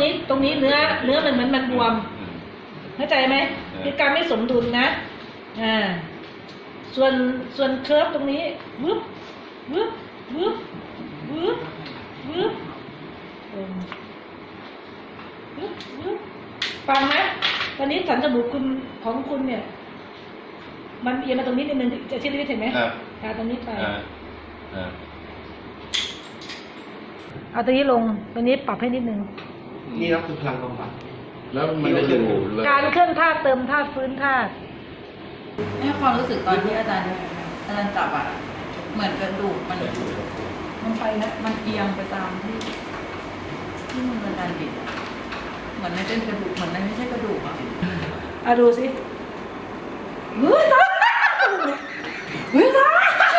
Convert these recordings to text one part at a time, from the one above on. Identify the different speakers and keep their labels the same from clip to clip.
Speaker 1: นี้เนื้อมันเหมือนมันบวมเข้าใจไหมคือการไม่สมดุลนะส่วนเคิร์ฟตรงนี้วึบวึบวึบวึบวึบวึบวึบฟังไหมตอนนี้สันจมูกของคุณเนี่ยมันเอียงมาตรงนี้นิดนึงจะชี้ได้เห็นไหมตรงนี้ไปเอาตรงนี้ลงตรงนี้ปรับให้นิดนึง
Speaker 2: นี่ก็คือพลังบำบัดแล้วมันจะอยู่
Speaker 1: การเคลื่อนธาตุเติมธาตุฟื้นธาตุ
Speaker 3: ให้ความรู้สึกตอนที่อาจารย์จับเหมือนกระดูกมันไปนะมันเอียงไปตามที่มันอาจารย์บิดเหมือนไม่เป็นกระดูกเหมือนไม่ใช่กระดูก
Speaker 1: ดูสิ
Speaker 3: เฮ้ยจ้าเฮ้ยจ้า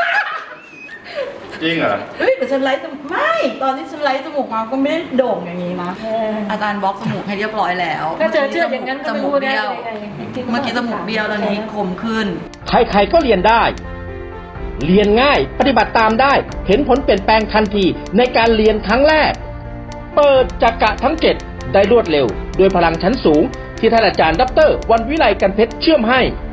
Speaker 2: จริงเหรอ
Speaker 3: แต่ฉันไล่ไม่ตอนที่ฉันไล่จมูกมาก็ไม่ได้โด่งอย่างนี้นะอาจารย์บล็อกจมูกให้เรียบร้อยแล้ว
Speaker 1: ถ้าเจออย่างนั้นก็ไม่รู้นะ
Speaker 3: เมื่อกี้จมูกเบี้ยวตอนนี้คมขึ้น
Speaker 4: ใครๆก็เรียนได้ เรียนง่ายปฏิบัติตามได้เห็นผลเปลี่ยนแปลงทันทีในการเรียนครั้งแรกเปิดจักระทั้ง7ได้รวดเร็วด้วยพลังชั้นสูงที่ท่านอาจารย์ดร.วันวิไลกันเพชรเชื่อมให้